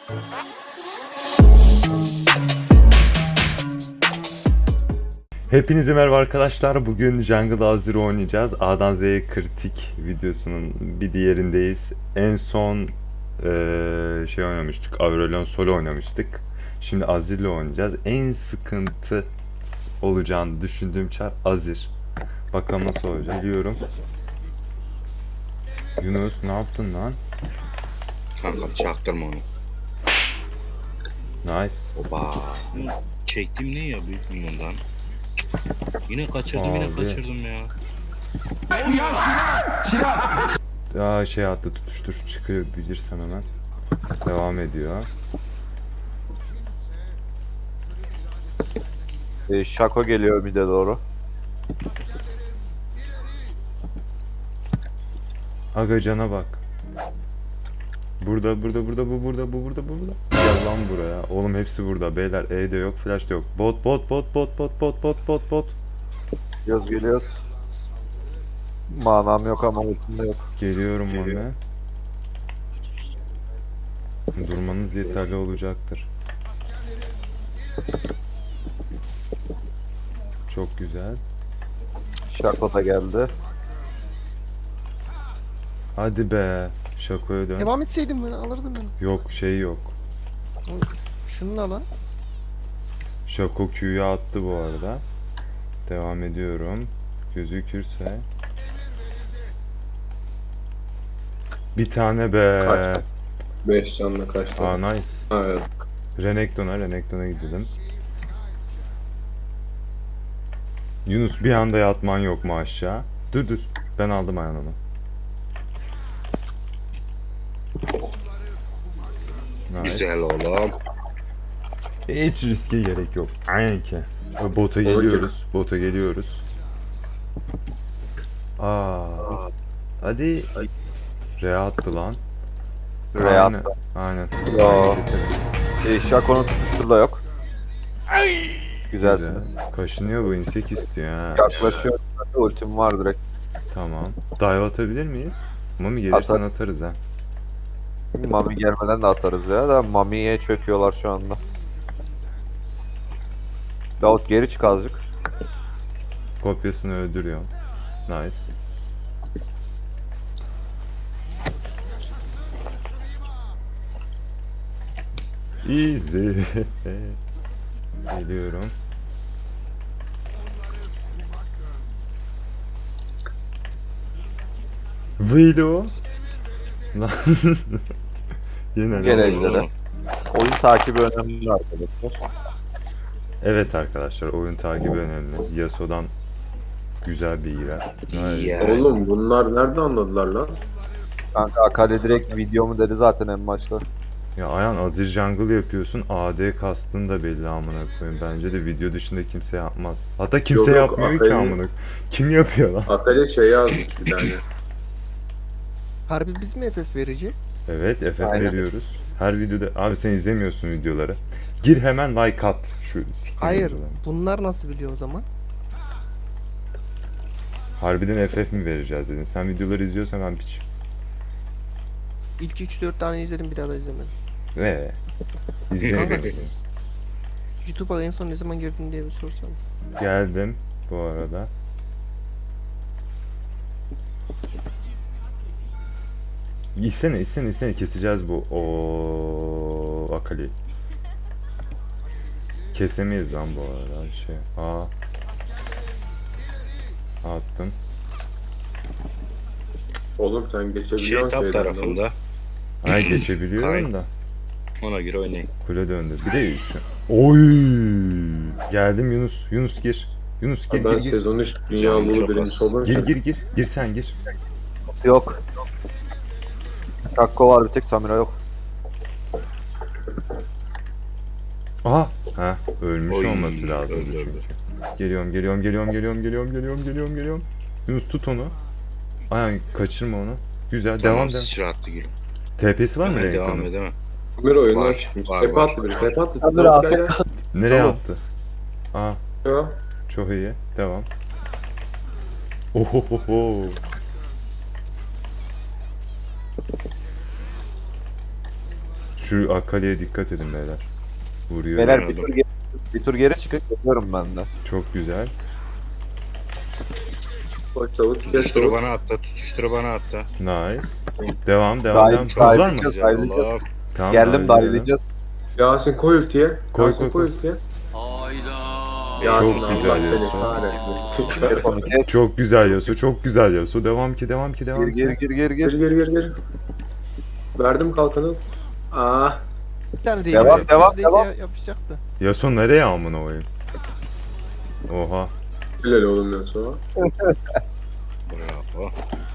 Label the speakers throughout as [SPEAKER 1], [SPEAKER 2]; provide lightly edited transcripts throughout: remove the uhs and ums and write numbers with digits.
[SPEAKER 1] Hepinize merhaba arkadaşlar. Bugün Jungle Azure oynayacağız. A'dan Z'ye kritik videosunun bir diğerindeyiz. En son şey oynamıştık. Aurelion Sol oynamıştık. Şimdi Azir'le oynayacağız. En sıkıntı olacağını düşündüğüm çar Azir. Bakalım nasıl olacak. Biliyorum. Yunus ne yaptın lan?
[SPEAKER 2] Kankam çaktırma onu.
[SPEAKER 1] Nice.
[SPEAKER 2] Oba. Çektim ne ya büyük milyondan. Yine kaçırdım yine
[SPEAKER 1] Abi.
[SPEAKER 2] kaçırdım ya.
[SPEAKER 1] Daha şey attı, tutuştur çıkıyor bilirsen hemen. Devam ediyor.
[SPEAKER 3] Şako geliyor bir de doğru.
[SPEAKER 1] Aga cana bak. Burada bu burada. Gel lan buraya. Oğlum hepsi burada. Beyler E de yok, flash da yok. Bot.
[SPEAKER 3] Geliyoruz. Manam yok ama ultim de yok.
[SPEAKER 1] Geliyorum Mame. Durmanız yeterli olacaktır. Çok güzel.
[SPEAKER 3] Şako da geldi.
[SPEAKER 1] Hadi be. Şakoya dön.
[SPEAKER 4] Devam etseydim ben alırdım ben.
[SPEAKER 1] Yok şey yok.
[SPEAKER 4] Şununla lan.
[SPEAKER 1] Şako Q'yu attı bu arada. Devam ediyorum. Gözükürse. Bir tane be.
[SPEAKER 5] Kaçtı. 5 canla kaçtı.
[SPEAKER 1] Aa nice.
[SPEAKER 5] Evet.
[SPEAKER 1] Renekton'a gidelim. Yunus bir anda yatman yok mu aşağı? Dur. Ben aldım ayağını. Nice.
[SPEAKER 2] Güzel oğlum.
[SPEAKER 1] Hiç riske gerek yok. Aynen ki. Bota geliyoruz. Aa. Hadi. Re attı lan.
[SPEAKER 3] Re
[SPEAKER 1] Aynen.
[SPEAKER 3] attı.
[SPEAKER 1] Aynen.
[SPEAKER 3] Yo.
[SPEAKER 1] Keselim.
[SPEAKER 3] Şako'nun tutuştur da yok. Güzelsiniz.
[SPEAKER 1] Güzel. Kaşınıyor bu insek istiyor ha.
[SPEAKER 3] Yaklaşıyor. Ultim var direkt.
[SPEAKER 1] Tamam. Dive atabilir miyiz? Mami gelirsen
[SPEAKER 3] Atar.
[SPEAKER 1] atarız ha.
[SPEAKER 3] Mami gelmeden de atarız ya da Mami'ye çöküyorlar şu anda. Davut geri çık azıcık.
[SPEAKER 1] Kopyasını öldürüyor. Nice. Easy. Geliyorum. Velo. Lan. Yine
[SPEAKER 3] Gel
[SPEAKER 1] lan.
[SPEAKER 3] ejderha. Oyun takibi önemli arkadaşlar.
[SPEAKER 1] Evet arkadaşlar oyun takibi önemli. Yasuo'dan güzel bilgiler.
[SPEAKER 2] Ya.
[SPEAKER 5] Oğlum bunlar nerede anladılar lan?
[SPEAKER 3] Kanka Akali direkt videomu dedi zaten en başta.
[SPEAKER 1] Ya Ayhan Azir Jungle yapıyorsun. AD kastın da belli amına koyayım. Bence de video dışında kimse yapmaz. Hatta kimse
[SPEAKER 5] Yok,
[SPEAKER 1] yapmıyor ki
[SPEAKER 5] Akali-
[SPEAKER 1] amına koyayım. Kim yapıyor lan?
[SPEAKER 5] Akale şey yazmış bir tane.
[SPEAKER 4] Harbi biz mi FF vereceğiz?
[SPEAKER 1] Evet FF
[SPEAKER 3] Aynen.
[SPEAKER 1] veriyoruz. Her videoda abi sen izlemiyorsun videoları. Gir hemen like at şu siktir
[SPEAKER 4] Hayır.
[SPEAKER 1] videoları.
[SPEAKER 4] Bunlar nasıl biliyor o zaman?
[SPEAKER 1] Harbiden FF mi vereceğiz dedin. Sen videoları izliyorsan ben piç.
[SPEAKER 4] İlk 3-4 tane izledim bir daha da izlemedim.
[SPEAKER 1] Ve
[SPEAKER 4] Kanka
[SPEAKER 1] izleyebilirsin.
[SPEAKER 4] YouTube'a en son ne zaman girdin diye bir sorsam.
[SPEAKER 1] Geldim bu arada. İçsene keseceğiz bu o Akali. Kesemeyiz lan bu arada şey. Attım.
[SPEAKER 5] Oğlum sen geçebiliyorsun
[SPEAKER 2] Şey tap tarafında.
[SPEAKER 1] Ay geçebiliyorum da.
[SPEAKER 2] Ona göre oynayın.
[SPEAKER 1] Kule döndü. Bir de şu. Oy! Geldim Yunus. Yunus gir. Yunus gir
[SPEAKER 5] Ben
[SPEAKER 1] gir.
[SPEAKER 5] sezon 3 dünya
[SPEAKER 2] Canım
[SPEAKER 5] Lulu
[SPEAKER 2] çok
[SPEAKER 5] birincisi
[SPEAKER 2] az.
[SPEAKER 5] olunca
[SPEAKER 1] Gir. Gir sen gir.
[SPEAKER 3] Yok. Şako var bir tek Samira yok.
[SPEAKER 1] Aha. Ha, ölmüş
[SPEAKER 2] Oy,
[SPEAKER 1] olması lazım
[SPEAKER 2] öldü.
[SPEAKER 1] çünkü. Geliyorum. Yunus tut onu. Aynen kaçırma onu. Güzel
[SPEAKER 2] Tamam
[SPEAKER 1] devam.
[SPEAKER 2] sıçra attı gül.
[SPEAKER 1] TP'si var mı
[SPEAKER 2] Hemen devam
[SPEAKER 1] Renekton'un?
[SPEAKER 2] edemem.
[SPEAKER 5] bir oyundan
[SPEAKER 2] Var,
[SPEAKER 5] çıkmış.
[SPEAKER 2] var,
[SPEAKER 5] Tepe
[SPEAKER 2] var.
[SPEAKER 5] attı biri. Tepe attı.
[SPEAKER 3] Hadi
[SPEAKER 5] Tamam,
[SPEAKER 3] rahat.
[SPEAKER 5] gel, gel.
[SPEAKER 1] Nereye
[SPEAKER 3] Tamam.
[SPEAKER 1] attı? Aa
[SPEAKER 5] Ya.
[SPEAKER 1] çok iyi. Devam. Ohohoho. Şu Akali'ye dikkat edin beyler. Vuruyor.
[SPEAKER 3] Beyler bir tur geri çıkıp yapıyorum ben de.
[SPEAKER 1] Çok güzel.
[SPEAKER 5] Bak çabuk geç
[SPEAKER 2] Tutuşturu
[SPEAKER 5] çabuk.
[SPEAKER 2] bana attı. Tutuşturu bana attı.
[SPEAKER 1] Nice. Devam
[SPEAKER 3] Daha
[SPEAKER 1] devam.
[SPEAKER 3] iyi,
[SPEAKER 1] Çok var mı?
[SPEAKER 3] Güzel,
[SPEAKER 2] Güzel
[SPEAKER 3] ayrıca-
[SPEAKER 2] oğlum.
[SPEAKER 1] Tamam,
[SPEAKER 3] Geldim
[SPEAKER 1] hadi
[SPEAKER 3] darlayacağız.
[SPEAKER 5] Yasin koy ultiye.
[SPEAKER 1] Koy,
[SPEAKER 5] Yasin
[SPEAKER 1] koy,
[SPEAKER 5] koy
[SPEAKER 1] koy.
[SPEAKER 5] ultiye.
[SPEAKER 2] Hayda.
[SPEAKER 5] Yasin
[SPEAKER 1] Çok
[SPEAKER 5] Allah
[SPEAKER 1] güzel
[SPEAKER 5] seni
[SPEAKER 1] Yasin.
[SPEAKER 5] kahretmesin.
[SPEAKER 3] Onu kes.
[SPEAKER 1] Çok güzel Yasuo, çok güzel Yasuo. Devam ki, devam ki, devam
[SPEAKER 3] Gir
[SPEAKER 1] ki.
[SPEAKER 3] gir
[SPEAKER 5] Gir gir gir gir. Verdim kalkanı. Ah.
[SPEAKER 4] Bir tane değil.
[SPEAKER 3] Devam, devam,
[SPEAKER 4] Neredeyse
[SPEAKER 3] devam.
[SPEAKER 4] yapışacaktı.
[SPEAKER 1] Yasuo nereye amına koyayım? Oha.
[SPEAKER 5] Helal oğlum Yasin.
[SPEAKER 2] Bravo.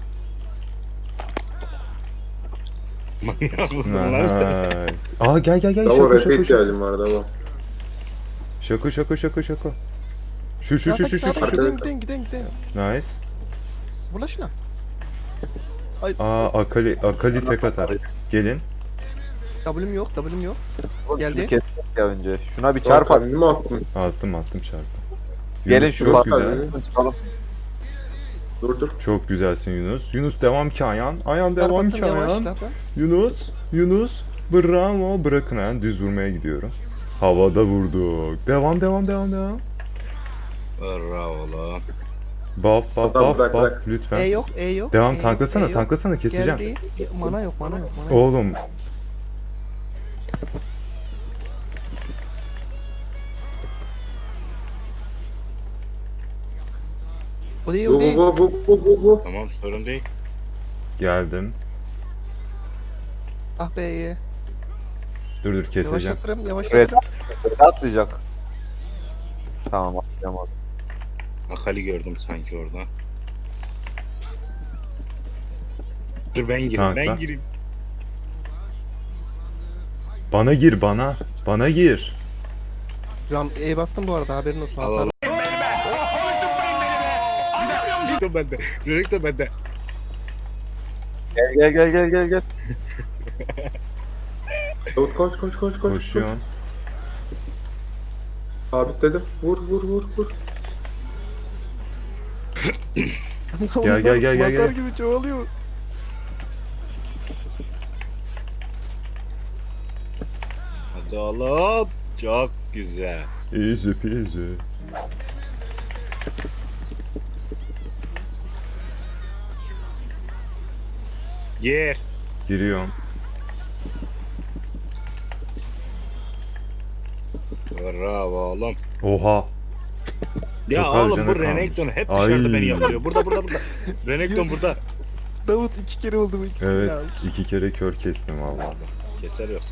[SPEAKER 2] Manyak mısın lan sen?
[SPEAKER 1] Nice. Aa gel gel gel.
[SPEAKER 5] Davo
[SPEAKER 1] Şaka
[SPEAKER 5] rap'e
[SPEAKER 1] şaka şaka.
[SPEAKER 5] ihtiyacım var Davo.
[SPEAKER 1] Şaka şaka şaka şaka. Şu şu
[SPEAKER 4] Ya
[SPEAKER 1] şu
[SPEAKER 4] tak,
[SPEAKER 1] şu şu.
[SPEAKER 4] tak,
[SPEAKER 1] şu.
[SPEAKER 4] Giden.
[SPEAKER 1] Nice.
[SPEAKER 4] Vur lan şuna.
[SPEAKER 1] Aa Akali tek atar. Gelin.
[SPEAKER 4] W'm yok.
[SPEAKER 3] Şunu
[SPEAKER 4] Geldi.
[SPEAKER 3] kestik ya önce. Şuna bir
[SPEAKER 5] Çarp
[SPEAKER 3] çarp at.
[SPEAKER 5] abi mi attın?
[SPEAKER 1] Attım çarpı.
[SPEAKER 3] Gelin
[SPEAKER 1] Yunus,
[SPEAKER 3] şu
[SPEAKER 1] çok
[SPEAKER 3] bak.
[SPEAKER 1] güzel.
[SPEAKER 3] Çıkalım.
[SPEAKER 5] Dur.
[SPEAKER 1] Çok güzelsin Yunus. Yunus devam ki Ayhan. Ayhan
[SPEAKER 4] Çarp
[SPEAKER 1] devam
[SPEAKER 4] attım
[SPEAKER 1] ki Ayhan.
[SPEAKER 4] yavaşladım.
[SPEAKER 1] Yunus. Bravo. Bırakın Ayhan. Düz vurmaya gidiyorum. Havada vurduk. Devam.
[SPEAKER 2] Bravo oğlum.
[SPEAKER 1] Buff
[SPEAKER 5] Tamam, bırak,
[SPEAKER 1] buff
[SPEAKER 5] bırak.
[SPEAKER 1] lütfen.
[SPEAKER 4] E yok.
[SPEAKER 1] Devam
[SPEAKER 4] E yok,
[SPEAKER 1] tanklasana
[SPEAKER 4] E yok.
[SPEAKER 1] tanklasana keseceğim.
[SPEAKER 4] Geldi. Mana yok.
[SPEAKER 1] Oğlum
[SPEAKER 4] O değil.
[SPEAKER 5] Bu.
[SPEAKER 2] Tamam sorun değil.
[SPEAKER 1] geldim.
[SPEAKER 4] Ah be iyi.
[SPEAKER 1] Dur keseceğim.
[SPEAKER 4] Yavaşlatırım.
[SPEAKER 3] Atlayacak. Tamam atlayamadım.
[SPEAKER 2] Akali gördüm sanki orada. Dur ben gireyim,
[SPEAKER 1] Tankla.
[SPEAKER 2] ben gireyim.
[SPEAKER 1] Bana gir bana. Bana gir.
[SPEAKER 4] Şu an E bastım bu arada haberin olsun.
[SPEAKER 2] Al
[SPEAKER 4] Hasar.
[SPEAKER 2] al. Renekton bende. Renekton bende.
[SPEAKER 3] Gel.
[SPEAKER 5] Koş.
[SPEAKER 1] Koşuyorum.
[SPEAKER 5] Sabitledim. Vur.
[SPEAKER 1] Gel.
[SPEAKER 4] Mantar gibi çoğalıyor.
[SPEAKER 2] Hadi oğlum. Çok güzel.
[SPEAKER 1] Easy peasy.
[SPEAKER 2] Gir.
[SPEAKER 1] Giriyorum.
[SPEAKER 2] Bravo oğlum.
[SPEAKER 1] Oha.
[SPEAKER 2] Ya
[SPEAKER 1] Çok az
[SPEAKER 2] oğlum
[SPEAKER 1] canı
[SPEAKER 2] bu
[SPEAKER 1] kalmış.
[SPEAKER 2] Renekton hep
[SPEAKER 1] Ay.
[SPEAKER 2] dışarıda beni yakalıyor. Burada. Renekton burada.
[SPEAKER 4] Davut 2 kere oldu bu ikisini
[SPEAKER 1] Evet
[SPEAKER 4] aldı.
[SPEAKER 1] 2 kere kör kestim vallahi.
[SPEAKER 2] Keser yoksa.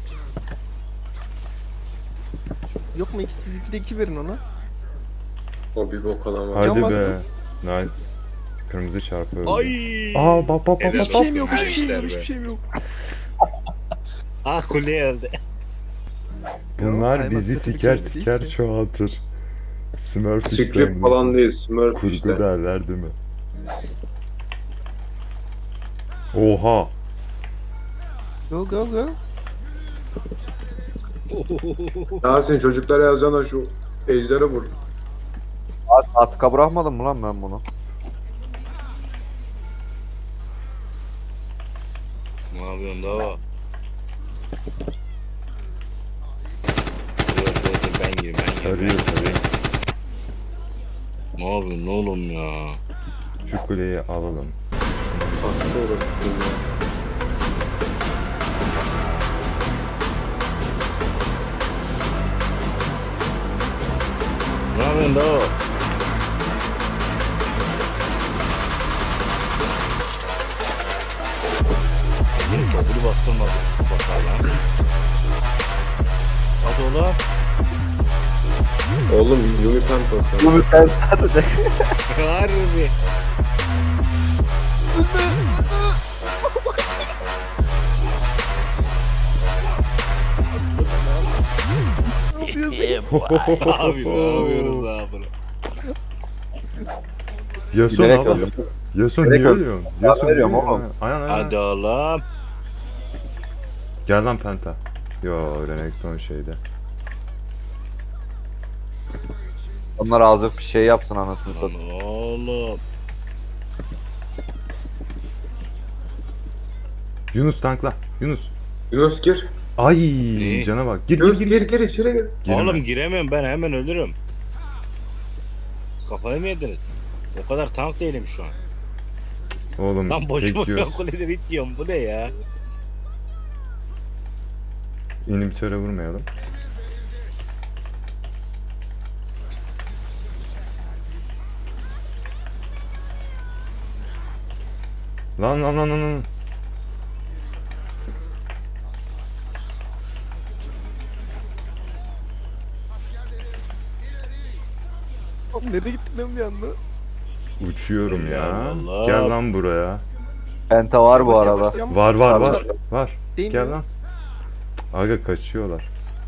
[SPEAKER 4] Yok mu siz 2'de 2 verin ona.
[SPEAKER 5] O bir bok alamaz.
[SPEAKER 1] Hadi
[SPEAKER 4] Can
[SPEAKER 1] be.
[SPEAKER 4] bastım.
[SPEAKER 1] Nice. Kırmızı çarpı öldü.
[SPEAKER 2] Ay.
[SPEAKER 1] Aa bak.
[SPEAKER 2] Helal
[SPEAKER 4] Hiçbir şeyim
[SPEAKER 2] olsun.
[SPEAKER 4] yok,
[SPEAKER 2] Gençler be.
[SPEAKER 4] yok.
[SPEAKER 2] Ah kuleye öldü.
[SPEAKER 1] Bunlar
[SPEAKER 4] Kaymak
[SPEAKER 1] bizi
[SPEAKER 4] kötü bir
[SPEAKER 1] siker
[SPEAKER 4] kelime değil
[SPEAKER 1] siker
[SPEAKER 4] ki.
[SPEAKER 1] çoğaltır. Smurf
[SPEAKER 5] Script falan değil. Smurf
[SPEAKER 1] Kurgu
[SPEAKER 5] işte.
[SPEAKER 1] derler değil mi? Oha.
[SPEAKER 4] Go.
[SPEAKER 5] Yasin çocuklara yazana şu ejdere vur.
[SPEAKER 3] Atka bırakmadım mı lan ben bunu?
[SPEAKER 2] Ne yapıyorsun daha? Dur ben gireyim.
[SPEAKER 1] Tarıyor.
[SPEAKER 2] Ne yapıyorsun oğlum ya?
[SPEAKER 1] Şu kuleyi alalım.
[SPEAKER 5] Hasta olur.
[SPEAKER 2] Ne yapıyorsun daha? Yine köprü bastırmadı. Bakar lan. Hadi oğlum.
[SPEAKER 5] Oğlum Yumi Penta.
[SPEAKER 3] Bu bir sen sadece.
[SPEAKER 2] Harbi. Abi ne yapıyoruz abi?
[SPEAKER 1] Yasuo ne
[SPEAKER 3] Bilerek
[SPEAKER 1] yapıyor?
[SPEAKER 3] öldüm.
[SPEAKER 1] Yasuo
[SPEAKER 3] Bilerek
[SPEAKER 1] niye
[SPEAKER 3] öldüm.
[SPEAKER 1] ölüyorsun?
[SPEAKER 3] Ya
[SPEAKER 1] Yasuo niye
[SPEAKER 3] veriyorum
[SPEAKER 1] ölüyorsun?
[SPEAKER 3] oğlum.
[SPEAKER 1] Aynen.
[SPEAKER 2] Hadi oğlum.
[SPEAKER 1] Gel lan Penta. Yo Renekton şeyde.
[SPEAKER 3] Onlar azıcık bir şey yapsın anasını
[SPEAKER 2] Lan
[SPEAKER 3] satayım.
[SPEAKER 2] oğlum.
[SPEAKER 1] Yunus tankla. Yunus.
[SPEAKER 5] Yunus gir.
[SPEAKER 1] Ay
[SPEAKER 2] Ne?
[SPEAKER 1] cana bak. Gir
[SPEAKER 5] Yunus
[SPEAKER 1] gir
[SPEAKER 5] gir
[SPEAKER 1] gir.
[SPEAKER 5] gir içeri gir.
[SPEAKER 1] Girme.
[SPEAKER 2] Oğlum giremem, ben hemen ölürüm. Siz kafayı mı yediniz? O kadar tank değilim şu an.
[SPEAKER 1] Oğlum
[SPEAKER 2] Lan boşuma
[SPEAKER 1] tek yiyor.
[SPEAKER 2] ben kulede bitiyorum, bu ne ya?
[SPEAKER 1] İnhibitöre vurmayalım. Lan.
[SPEAKER 4] Oğlum nereye gittin lan bir anda?
[SPEAKER 1] Uçuyorum ya.
[SPEAKER 2] Allah Allah.
[SPEAKER 1] Gel lan buraya.
[SPEAKER 3] Penta var bu
[SPEAKER 4] Yavaş
[SPEAKER 3] arada.
[SPEAKER 4] yavaş yavaş.
[SPEAKER 1] Var. Var.
[SPEAKER 4] Değil
[SPEAKER 1] Gel
[SPEAKER 4] mi?
[SPEAKER 1] lan. Aga kaçıyorlar.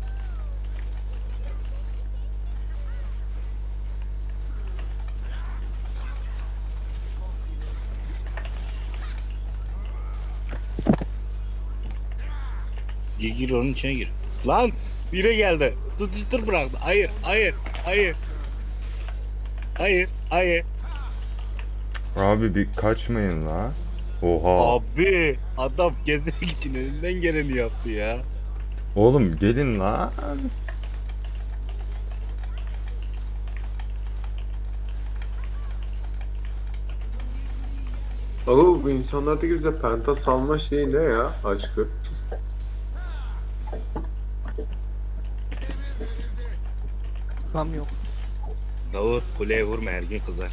[SPEAKER 2] Gir onun içine gir. Lan bire geldi. Tutuştur bıraktı. Hayır. Hayır.
[SPEAKER 1] Abi bir kaçmayın la. Oha.
[SPEAKER 2] Abi adam gezmek için elinden geleni yaptı ya.
[SPEAKER 1] Oğlum gelin la.
[SPEAKER 5] Oğlum bu insanlardaki bize penta salma şeyi ne ya aşkı?
[SPEAKER 4] Tam yok.
[SPEAKER 2] Davut kuleye vurma, her gün kızar.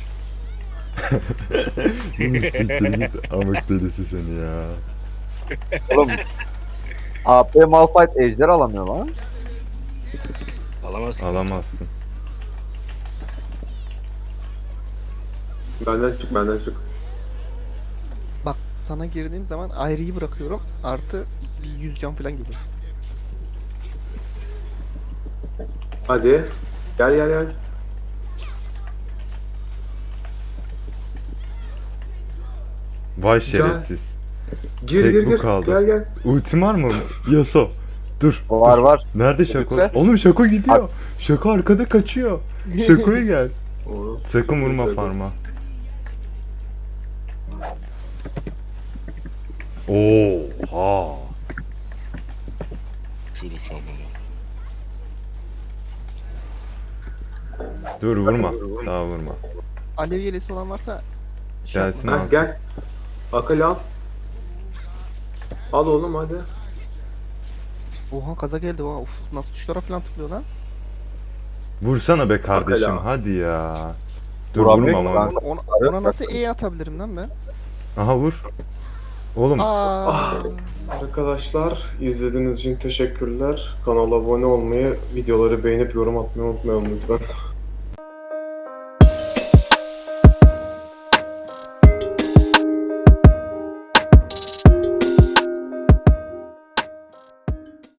[SPEAKER 1] Siktir git amık delisi seni ya.
[SPEAKER 3] Oğlum. AP Malphite ejder alamıyor lan.
[SPEAKER 2] Alamaz ki.
[SPEAKER 1] Alamazsın.
[SPEAKER 5] Benden çık.
[SPEAKER 4] Bak sana girdiğim zaman ayrıyı bırakıyorum. Artı bir 100 can falan gibi.
[SPEAKER 5] Hadi. Gel.
[SPEAKER 1] Vay şerefsiz.
[SPEAKER 5] Gir
[SPEAKER 1] Tek
[SPEAKER 5] gir
[SPEAKER 1] bu
[SPEAKER 5] gir.
[SPEAKER 1] kaldı.
[SPEAKER 5] Gel.
[SPEAKER 1] Ultim var mı? Yaso. Dur.
[SPEAKER 3] Var.
[SPEAKER 1] Nerede Şako?
[SPEAKER 3] Lütfen.
[SPEAKER 1] Oğlum Şako gidiyor. Şako arkada kaçıyor. Şako'ya gel.
[SPEAKER 5] Oğlum.
[SPEAKER 1] Sakın vurma
[SPEAKER 5] Şaka.
[SPEAKER 1] farma. Oha.
[SPEAKER 2] Şunu şamana.
[SPEAKER 1] Dur vurma. Daha vurma.
[SPEAKER 4] Alev yelesi olan varsa şey
[SPEAKER 1] Gelsin
[SPEAKER 4] yapma.
[SPEAKER 1] al.
[SPEAKER 5] Ha, gel. Akıl al. Al oğlum hadi.
[SPEAKER 4] Oha kaza geldi. Oha, uf, nasıl tuşlara falan tıklıyor lan?
[SPEAKER 1] Vursana be kardeşim
[SPEAKER 5] Bakala.
[SPEAKER 1] hadi ya. Dur
[SPEAKER 3] Vuramıyor
[SPEAKER 1] vurma
[SPEAKER 3] ki
[SPEAKER 1] ama.
[SPEAKER 3] lan.
[SPEAKER 4] Ona nasıl E atabilirim lan ben?
[SPEAKER 1] Aha vur. Oğlum
[SPEAKER 4] Aa.
[SPEAKER 5] Arkadaşlar izlediğiniz için teşekkürler. Kanala abone olmayı, videoları beğenip yorum atmayı unutmayalım lütfen.